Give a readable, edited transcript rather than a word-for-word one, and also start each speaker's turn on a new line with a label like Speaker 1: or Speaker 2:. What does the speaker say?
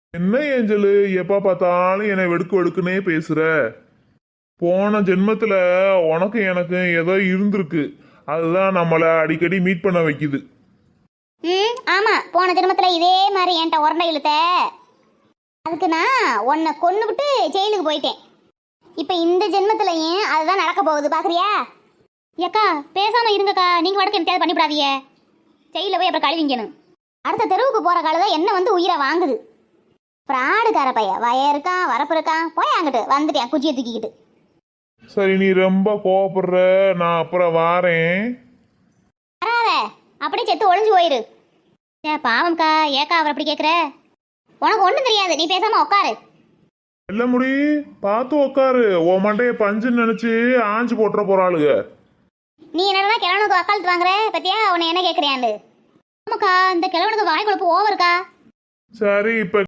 Speaker 1: என்ன ஏஞ்சலு எப்ப பார்த்தாலும் என்னை வெடுக்கு வெடுக்குன்னே பேசுற? போன ஜென்மத்துல உனக்கு எனக்கு ஏதோ இருந்திருக்கு. அதுதான் நம்மள அடிக்கடி மீட் பண்ண வைக்குது.
Speaker 2: ம் ஆமா, போன ஜென்மத்துல இதே மாதிரி என்கிட்ட உரண்டை இழுத்த. அதுக்கு நான் உன்னை கொன்னுபிட்டு ஜெயிலுக்கு போயிட்டேன். இப்போ இந்த ஜென்மத்திலையும் அதுதான் நடக்க போகுது, பாக்குறியா? ஏக்கா பேசாம இருங்கக்கா, நீங்க வடக்கு எனக்கு பண்ணிவிடாதீங்க. ஜெயிலில் போய் அப்புறம் கழுவிங்கணும். அடுத்த தெருவுக்கு போற காலதான் என்ன வந்து உயிரை வாங்குது. ஃப்ராடுக்கார பையன் வய இருக்கான் வரப்பு இருக்கான், போய் அங்கிட்டு வந்துட்டேன் குச்சியை தூக்கிக்கிட்டு.
Speaker 1: சரி, நீ ரொம்ப கோவப்படுற, நான் அப்புறம் வாரேன்.
Speaker 2: வராத, அப்படியே செத்து ஒளிஞ்சு போயிரு. ஏ பாவம்க்கா, ஏக்கா அவர் அப்படி கேட்குற? உனக்கு ஒன்றும் தெரியாது, நீ பேசாம உட்காரு.
Speaker 1: இல்ல முடி, பார்த்து உக்காரு. உன் மண்டைய பஞ்சுன்னு நினைச்சு ஆஞ்சு போட்டுற போறாளுக.
Speaker 2: நீ என்னடா கிழவனுக்கு வக்காலத்து வாங்குற பத்தியா? உன்னை என்ன கேட்குறியாண்டு? ஆமாக்கா, இந்த கிழவனுக்கு வாய் கொழுப்பு ஓவருக்கா.
Speaker 1: சரி, இப்ப